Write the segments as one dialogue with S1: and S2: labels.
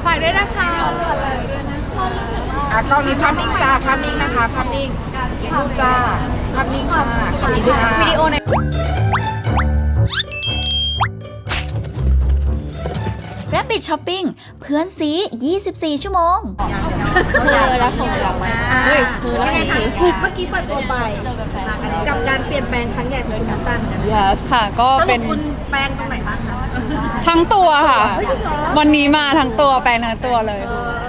S1: ฝากด้วยนะคะ
S2: กล้องนี้ภาพนิ่งจ้าภาพนิ่งนะคะภาพนิ่งรูปจ้าภาพนิ่งค่ะขอบคุณค่ะ
S1: วิดีโอใน
S3: Rapid Shopping เพื่อนซี24 ชั่วโมง
S1: รักของเรา
S2: ยังไงคะเมื่อกี้เปิดตัวไปกับการเปลี่ยนแปลงครั้งใหญ่ของคุณน้ำตาลกัน
S1: yes ค่ะก็เป็น
S2: คุณแปลงตรงไหนบ้างคะ
S1: ทั้งตัวค่ะวันนี้มาทั้งตัวแปลงทั้งตัวเลย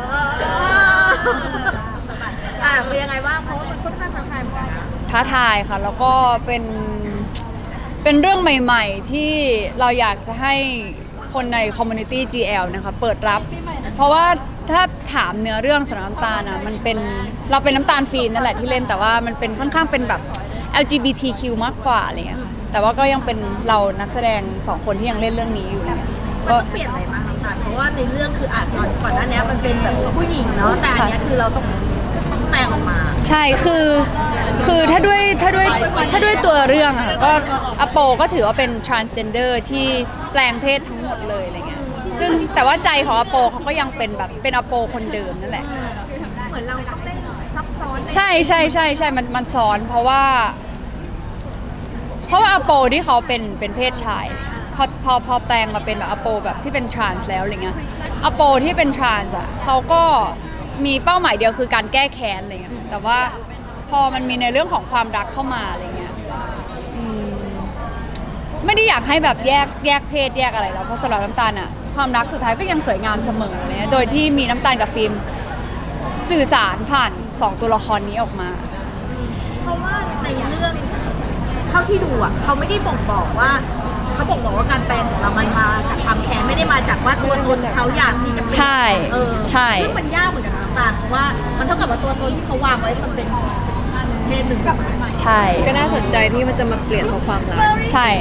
S2: เป็นยังไงบ้างเพราะว่ามันค่อนข้างท้าทายเหมือนกันนะ
S1: ท้าทายค่ะแล้วก็เป็นเรื่องใหม่ๆที่เราอยากจะให้คนใน Community GL นะคะเปิดรับเพราะว่าถ้าถามเนื้อเรื่องสำหรับน้ำตาลนะมันเป็นเราเป็นน้ำตาลฟีนนั่นแหละที่เล่นแต่ว่ามันเป็นค่อนข้างเป็นแบบ LGBTQ มากกว่าอะไรเงี้ยแต่ว่าก็ยังเป็นเรานักแสดง2คนที่ยังเล่นเรื่องนี้อยู่เนี่ย
S2: ก็เปลี่ยนอะไรบ้างน้ำตาลเพราะว่าในเรื่องคือก่อนหน้านี้มันเป็นแบบผู้หญิงเนาะแต่อันนี้คือเราต้องแปลงออกมา
S1: ใช่คือถ้าด้วยตัวเรื่องอะก็อโปก็ถือว่าเป็น transgender ที่แปลงเพศทั้งหมดเลยอะไรเงี้ยซึ่งแต่ว่าใจของอโปเขาก็ยังเป็นแบบเป็นอโปคนเดิมนั่นแหละ
S2: เหมือนเราต้องเล่นซับซ้อน
S1: ใช่มันซ้อนเพราะว่าอโปที่เขาเป็นเพศชายพอแปลงมาเป็นแบบอโปแบบที่เป็น trans แล้วอะไรเงี้ยอโปที่เป็น trans อ่ะเขาก็มีเป้าหมายเดียวคือการแก้แค้นอะไรเงี้ยแต่ว่าพอมันมีในเรื่องของความรักเข้ามาอะไรเงี้ยไม่ได้อยากให้แบบแยกเพศแยกอะไรแล้วเพราะสำหรับน้ำตาลอะความรักสุดท้ายก็ยังสวยงามเสมอเลยโดยที่มีน้ำตาลกับฟิล์มสื่อสารผ่าน2ตัวละครนี้ออกมา
S2: เพราะว่าในเรื่องเท่าที่ดูอ่ะเขาไม่ได้บอกว่าเขาบอกว่าการแปลงของเรามันมาจากความแค้นไม่ได้มาจากว่าตัวตนเขาอยากที่จะเป็น
S1: ใช่
S2: ซึ่งมันยากเหมือนกันน้ำตาลเพราะว่ามันเท่ากับว่าตัวตนที่เขาวางไว้มันเป็นเพศหนึ่งกับ
S1: ใช่
S4: ก็น่าสนใจที่มันจะมาเปลี่ยนเพราะความรัก
S1: ใช่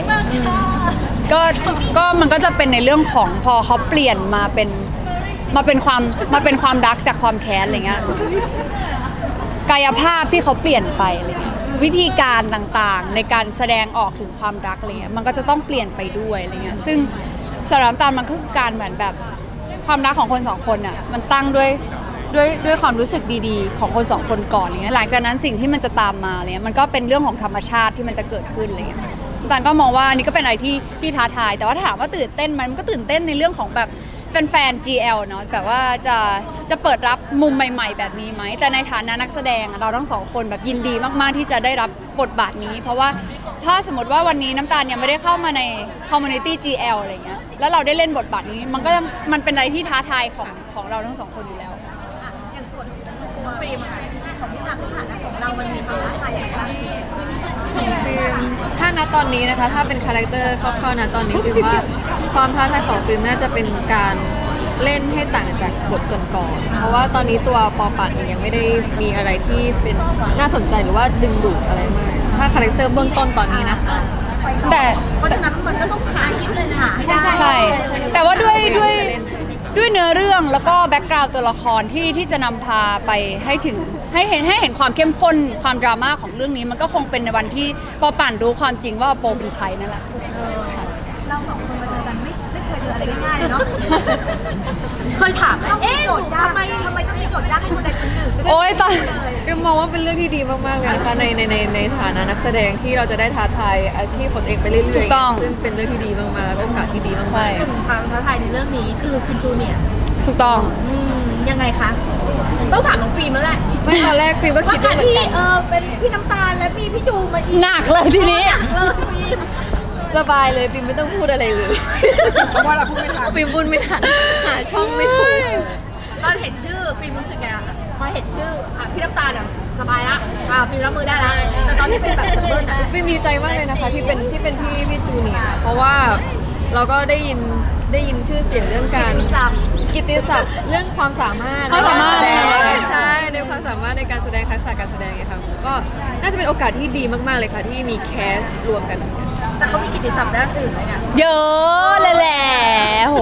S1: ก็มันก็จะเป็นในเรื่องของพอเขาเปลี่ยนมาเป็นความรักจากความแค้นอะไรเงี้ยกายภาพที่เขาเปลี่ยนไปอะไรเงี้ยวิธีการต่างๆในการแสดงออกถึงความรักอะไรเงี้ยมันก็จะต้องเปลี่ยนไปด้วยอะไรเงี้ยซึ่งสำหรับน้ำตาลมันคือการเหมือนแบบความรักของคนสองคนอ่ะมันตั้งด้วยความรู้สึกดีๆของคนสองคนก่อนอย่างเงี้ยหลังจากนั้นสิ่งที่มันจะตามมาอะไรเงี้ยมันก็เป็นเรื่องของธรรมชาติที่มันจะเกิดขึ้นอะไรเงี้ยตอนก็มองว่านี่ก็เป็นอะไรที่ท้าทายแต่ว่าถามว่าตื่นเต้นมันก็ตื่นเต้นในเรื่องของแบบแฟน GL เนาะแบบว่าจะเปิดรับมุมใหม่ๆแบบนี้ไหมแต่ในฐานะนักแสดงเราทั้งสองคนแบบยินดีมากๆที่จะได้รับบทบาทนี้เพราะว่าถ้าสมมติว่าวันนี้น้ำตาลยังไม่ได้เข้ามาใน Community GL อะไรเงี้ยแล้วเราได้เล่นบทบาทนี้มันเป็นอะไรที่ท้าทายของเราทั้งสองคนอยู่แล้ว
S2: อย่างส่วนของฟิล์มของที่นักฐานะของเรามันมีความท้าทายอย่างไร
S4: ของฟิล์มถ้าณตอนนี้นะคะถ้าเป็นคาแรคเตอร์คร่าวๆนะตอนนี้ฟิล์มว่าความท้าทายของฟิล์มน่าจะเป็นการเล่นให้ต่างจากบทก่อนๆเพราะว่าตอนนี้ตัวปอปัดเองยังไม่ได้มีอะไรที่เป็นน่าสนใจหรือว่าดึงดูดอะไรมากถ้าคาแรคเตอร์เบื้องต้นตอนนี้นะคะ
S1: แต่
S2: เพราะฉะนั้นมันก็ต้องผ่านคิดเลยค่ะ
S1: ใช่แต่ว่าด้วยเนื้อเรื่องแล้วก็แบ็กกราวด์ตัวละครที่จะนำพาไปให้ถึงให้เห็นความเข้มข้นความดราม่าของเรื่องนี้มันก็คงเป็นในวันที่ปอปั่นรู้ความจริงว่าโปเป็นใครนั่นแหละ
S2: เราสองคนมาเจอกันไม่เคยเจออะไรง่ายๆเลยเนาะเคยถามไหมทำไมต้องมีโจทย์ยากให้คนใดคนหนึ่ง
S1: โอ้ยตอน
S4: ฟิล์มมองว่าเป็นเรื่องที่ดีมากๆเลยนะคะในฐานะนักแสดงที่เราจะได้ท้าทายอาชีพของตัวเองไปเรื่อยๆซึ่งเป็นเรื่องที่ดีมากๆแล้วก็โอกาสที่ดีมาก
S2: ๆความท้าทายในเรื่องนี้คือคุณจูเนียร์
S1: ถูกต้อง
S2: ยังไงคะต้องถามน้องฟิล์มแล้วแหละ
S4: ไม่ตอนแรกฟิล์มก็คิดว่าเหมือนกัน
S2: เป็นพี่น้ำตาลและมีพี่จูมาอีก
S1: หนักเลยทีนี้
S2: หนักเลยฟิล์ม
S4: สบายเลยฟิล์มไม่ต้องพูดอะไรเลย
S2: เพราะว่าเราพูดไม่ทัน
S4: ฟิล์มพูดไม่ทันหาช่องไม่ถูก
S2: ตอนเห็นชื่อฟิล์มรู้สึกไงพอเห็นชื่อพี่น้ำตาลเนี่ยสบายละฟิล์มรับมือได้แล้วแต่ตอนที่เป็นแบบเบิร์น
S4: ฟิล์มดีใจมากเลยนะคะที่เป็นพี่จูเนียร์เพราะว่าเราก็ได้ยินชื่อเสียงเรื่องการกิตติศัพท์เรื่องความสามารถในการแสดงใช่ในความสามารถในการแสดงทักษะการแสดงไงคะก็น่าจะเป็นโอกาสที่ดีมากๆเลยค่ะที่มีแคสรวมกัน
S2: แต่เขามีกิตติศัพท์ด้านอื่นไหมเนี่ย
S1: เยอะเลยแหละโห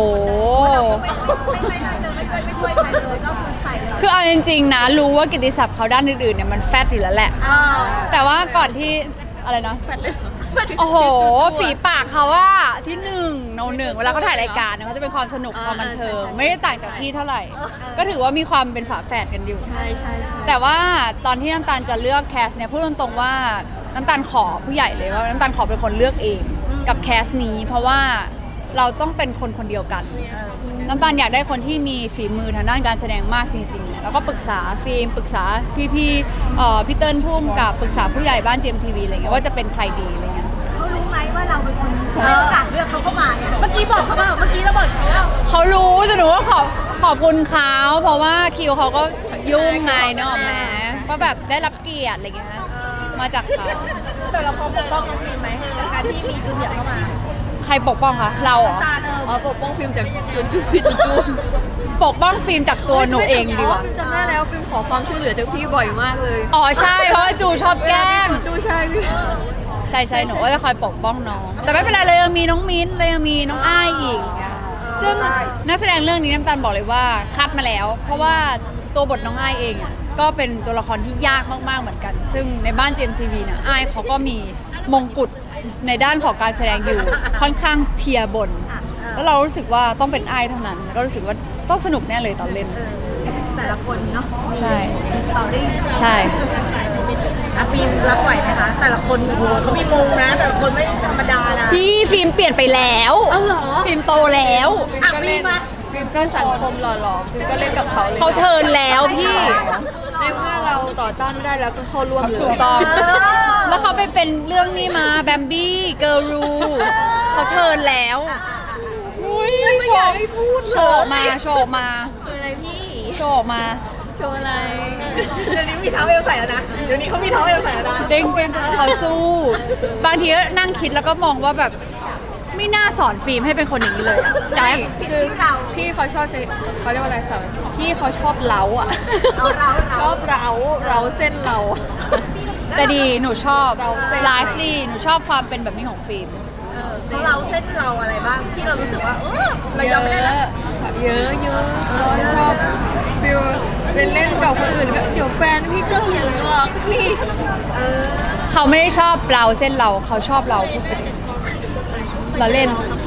S2: ไม่ช่วยใครเลยก็คือใส่เลย
S1: คือเอาจริงๆนะรู้ว่ากิตติศัพท์เขาด้านอื่นๆเนี่ยมันแฟตอยู่แล้วแหละแต่ว่าก่อนที่อะไรนะ
S4: แฟตเลย
S1: โอ้โห ฝีปากเขาว่าที่หนึ่งโนหนึ่งเวลาเขาถ่ายรายการเนี่ยเขาจะเป็นความสนุกความบันเทิงไม่ได้ต่างจากพี่เท่าไหร่ ก็ถือว่ามีความเป็นฝาแฝดกันอยู่
S4: ใช่ใช่ใช่
S1: แต่ว่าตอนที่น้ำตาลจะเลือกแคสเนี่ยพูดตรงๆว่าน้ำตาลขอผู้ใหญ่เลยว่าน้ำตาลขอเป็นคนเลือกเองกับแคสนี้ เพราะว่าเราต้องเป็นคนคนเดียวกันน้ำตาลอยากได้คนที่มีฝีมือทางด้านการแสดงมากจริงๆแล้วก็ปรึกษาฟิล์มปรึกษาพี่พี่เติ้ลพุ่มกับปรึกษาผู้ใหญ่บ้าน GMTV อะไรเงี้ยว่าจะเป็นใครดีอะไรเงี้ย
S2: เขารู้ไหมว่าเราเป็นคนให้โอกาสเลือกเขาเข้ามาเนี่ยเมื่อกี้บอกเขาเปล่าเมื่อกี้เราบอกเขาว่า
S1: เขารู้แต่หนูว่าขอบคุณเขาเพราะว่าคิวเขาก็ยุ่งไงเนอะแหมก็แบบได้รับเกียรติอะไรเงี้ยมาจากเขา
S2: แต่เราพร้อมปกป้องน้องฟิล์มไหมในการที่มีจูเนียร์เข้ามา
S1: ใครปกป้องคะเราเหรอ
S2: ตาเน
S4: อ๋อปกป้องฟิล์มจากจูพี่จู
S1: ปกป้องฟิล์มจากตัวหนูเองดีกว่า
S4: ฟิล์มจำได้แล้วฟิล์มขอความช่วยเหลือจากพี่บ่อยมากเลย
S1: อ๋อใช่เพราะว่าจูชอบแกล้ง
S4: จูใช่พี่
S1: ใช่หนูก็จะคอยปกป้องน้อง แต่ไม่เป็นไรเลยยังมีน้องมิ้นท์เลยยังมีน้องอ้ายอีกอย่างเงี้ยซึ่งนักแสดงเรื่องนี้น้ำตาลบอกเลยว่าคัดมาแล้ว เพราะว่าตัวบทน้องอ้ายเองอ่ะก็เป็นตัวละครที่ยากมากๆเหมือนกัน ซึ่งในบ้าน GMTV นะอ้ายเขาก็มีมงกุฎในด้านของการแสดงอยู่ค่อนข้างเทียร์บน แล้วเรารู้สึกว่าต้องเป็นอ้ายเท่านั้นแล้วก็รู้สึกว่าต้องสนุกแน่เลยตอนเล่น
S2: แต่ละคนเนาะมี
S1: ใช่
S2: สตอรี่
S1: ใช่
S2: อะฟิล์มรับไหวไหมคะแต่ละคนโอ้โหเขามีมงนะ แต่ละคนไม่ธรรมดานะ
S1: พี่ฟิล์มเปลี่ยนไปแล้ว
S2: เอาเหรอ
S1: ฟิล์มโตแล้ว
S4: ฟิล์มก็เล่น
S2: อ่ะ
S4: ฟิล์มก็สังคมหล่อๆฟิล์มก็เล่นกับเขาเลย
S1: เขาเทิร์นแล้วพี่
S4: ในเมื่อเราต่อต้านไม่ได้แล้วก็เข้าร่วมเลย
S1: ถูกต้อง แล้วเขาไปเป็นเรื่องนี้มาแบมบี้เกิร์ลรูเขาเทิร์นแล้วอุ้ย
S4: ไม่อยากให้พูดเลย
S1: โชว์ออกมา
S4: คืออะไรพี่
S1: โชว์ออกมา
S4: โชว์อะไร
S2: เดี๋ยวนี้มีเท้าเอวใส่แล้วนะ เดี๋ยวนี้เขามีเท้าเอวใส่แล้วนะ
S1: เด้งเขาสู้ บางทีก็นั่งคิดแล้วก็มองว่าแบบไม่น่าสอนฟิล์มให้เป็นคนอย่างนี้เลยอยากให้
S4: คือพี่เขาชอบใช้เขาเรียกว่าอะไรสาวพี่เขาชอบเล้าอ่ะ ชอบเล้าเส้นเรา
S1: แต่ดีหนูชอบ
S4: เราเส้น
S1: ไลฟ์ลีหนูชอบความเป็นแบบนี้ของฟิล์ม
S2: เขาเราเส้นเราอะไรบ้าง ที่เรารู้สึกว่าเรายอมไม่ได้นะ
S4: เยอะชอบฟิลเป็นเล่นกับคนอื่นก็เดี๋ยวแฟนพี่ก็หึงหรอกพี่
S1: เขาไม่ได้ชอบเราเส้นเราเขาชอบเราพูดไปเลยเราเล่น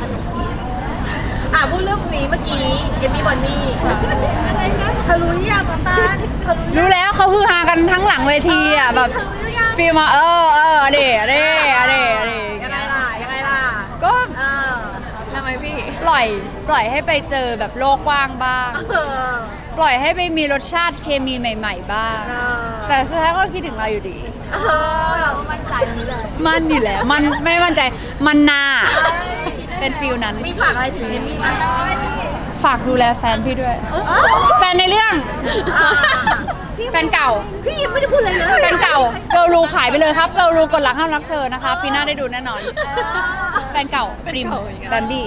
S2: พูดเรื่องนี้เมื่อกี้เอมมี่บอนนี่เธอรู้หรือยังน้ำตาลเธอรู้หรือยัง
S1: รู้แล้วเขาฮือฮากันทั้งหลังเวทีอ่ะแบบ
S2: เธอรู้หรือยัง
S1: ฟิลมาอะเดะ
S2: ยังไงล่ะ
S1: ก็
S4: ทำไมพี่
S1: ปล่อยให้ไปเจอแบบโลกกว้างบ้าง ปล่อยให้ไปมีรสชาติเคมีใหม่ ๆ บ้าง แต่สุดท้ายก็คิดถึงเราอยู่ดี
S2: เรามั่นใจนี้เลย
S1: มันอยู่แล้วมันไม่มั่นใจมันนาเป็นฟิลนั้น
S2: มีฝากอะไรถึงเอมมี่ไหม
S1: ฝากดูแลแฟนพี่ด้วย แฟนในเรื่อง แฟนเก่า
S2: พี่ยังไม่ได้พูดอะไรเลย
S1: แฟนเก่าเกิร์ลรูขายไปเลยครับเกิร์ลรูกดหลักห้ามรักเธอนะคะปีหน้าได้ดูแน่นอน แฟนเก่าปริมแบมบี้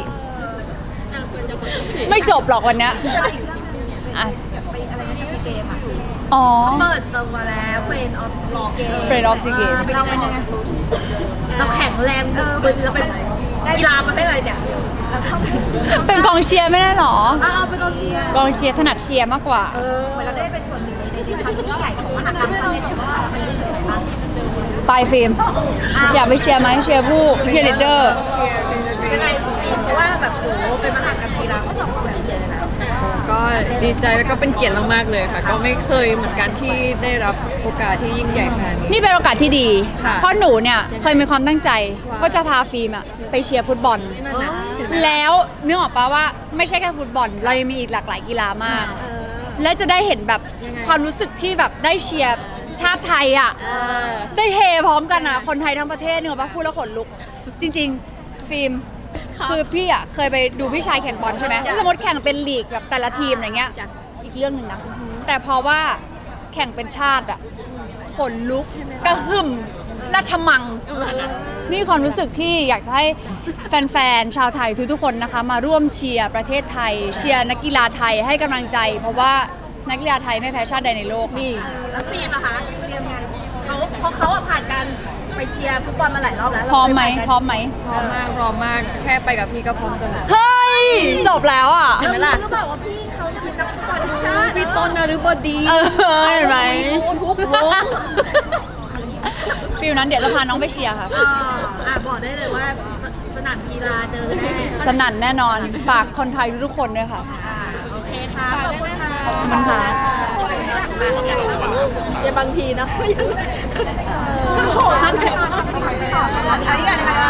S1: ไม่จบหรอกวันเนี้ยอ่ะ
S2: ไปอะไรนะพี่เกมอ่ะ
S1: อ๋อ
S2: เปิดตัวแล้วเฟรนออฟลอกเกม
S1: Friend of the Game
S2: เราเป็นยังไงเราแข็งแรงบึนเราเป็นกีฬามันไม่อะไรเนี่ย
S1: เป็นกองเชียร์ไม่ได้หรอ
S2: เป็นกองเชียร์
S1: กองเชียร์ถนัดเชียร์มากกว่า
S2: เหมือนเราได้เป็นส่วนหนึ่งในความยิ่งใหญ่ของมหากรรมครั้งนี้ว่ามันรู้สึกยังไงบ้าง
S1: ไปฟิล์มอยากไปเชียร์ไหมเชียร์ผู้เชียร์ลีดเดอร์
S2: ยังไงเพราะว่าแบบโหเป็นมหากรรมกีฬาก็ต้องแบบเชียร์เลยนะ
S4: ก็ดีใจแล้วก็เป็นเกียรติมากๆเลยค่ะ ก็ไม่เคยเหมือนกันที่ได้รับโอกาสที่ยิ่งใหญ่ขนาดนี้
S1: นี่เป็นโอกาสที่ดี
S4: ค่ะ
S1: เพราะหนูเนี่ยเคยมีความตั้งใจ
S4: ว่า
S1: ว่าจะพาฟิล์มอะไปเชียร์ฟุตบอล
S4: นั่นนะเห็นไหม
S1: แล้วนึกออกปะว่าไม่ใช่แค่ฟุตบอล เรายังมีอีกหลากหลายกีฬามาก และจะได้เห็นแบบความรู้สึกที่แบบได้เชียร์ชาติไทยอ่ะ ได้เฮพร้อมกันอ่ะ คนไทยทั้งประเทศเนกอะปะพูดแล้วขนลุก จริง ๆ ฟิล์ม คือพี่อ่ะเคยไปดูพี่ชายแข่งบอลใช่ไหมถ้าสมมติแข่งเป็นลีกแบบแต่ละทีมอะไรเงี้ย
S4: จ้ะ
S1: อีกเรื่องหนึ่งนะ แต่พอว่าแข่งเป็นชาติอ่ะขนลุกกระหึ่มราชมัง นี่ความรู้สึกที่อยากจะให้แฟนๆ ชาวไทยทุกๆคนนะคะ มาร่วมเชียร์ประเทศไทย เชียร์นักกีฬาไทยให้กำลังใจ เพราะว่านักกีฬาไทยไม่แพ้ชาติใดในโลกนี่
S2: แล้วฟิล์มนะคะเตรียมงานเพราะเขาผ่านการไปเชียร์ฟุตบอลมาหลายรอบแล้ว
S1: พร้อมไหม
S2: พร้อม
S4: พร้อมมากแค่ไปกับพี่ก็พร้อมเสมอ
S1: เฮ้ย จบแล้วอ่ะ
S2: แล้วรู้หรือเปล่าว่าพี่เขาเนี่ยเป็นนักฟุตบอลทีมชาติ
S4: พี่ต้นนฤบดี
S1: เห็นไหม
S4: โอ้ทุกวง
S1: ฟิลนั้นเดี๋ยวจะพาน้องไปเชียร์ค่ะ
S2: บอกได้เลยว่าสนามกีฬาเจอแน่
S1: สนั่นแน่นอนฝากคนไทยทุกๆคนด้วยค่ะ
S2: โอเคค่ะ
S4: ฝากด้วยนะคะ
S1: ขอบคุณค่ะ
S2: อย่าบางทีนะท่านเชิญอันนี้กันนะคะ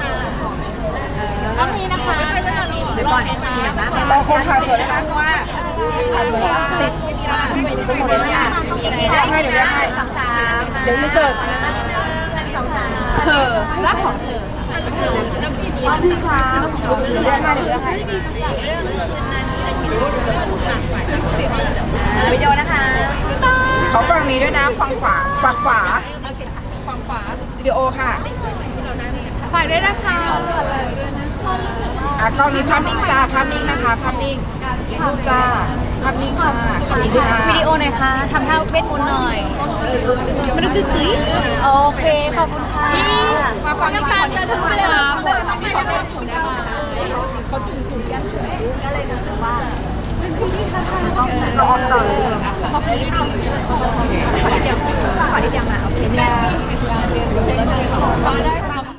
S2: ต้องมีนะคะเดี๋ยวก่อนเราคงถ่ายเผื่อได้นะเพราะว่าถ่ายเผื่อติดให้เดี๋ยวให้เดี๋ยวจะเสิร์ฟรักของเธอพี่คะเดี๋ยวให้วิดีโอนะคะเขาฝั่งนี้ด้วยนะฝั่งฝาวิดีโอค่ะ
S4: ฝากด้วยนะคะ
S2: กล้องนี้ภาพนิ่งจ้าภาพนิ่งนะคะภาพนิ่งรูปจ้าภาพนิ่งค่ะขอบคุณค่ะ
S3: วิดีโอหน่อยค่ะทำท่าเวทมนต์หน่อย
S1: มันก็คือ
S3: โอเค ขอบคุณค่ะ
S2: มาฟังการจะทุกเลยค่ะต้องมีคนจุ่มได้มาเขาจุ่มแก้มจุ่มก็เลยรู้สึกว่าเราออกต่อเลย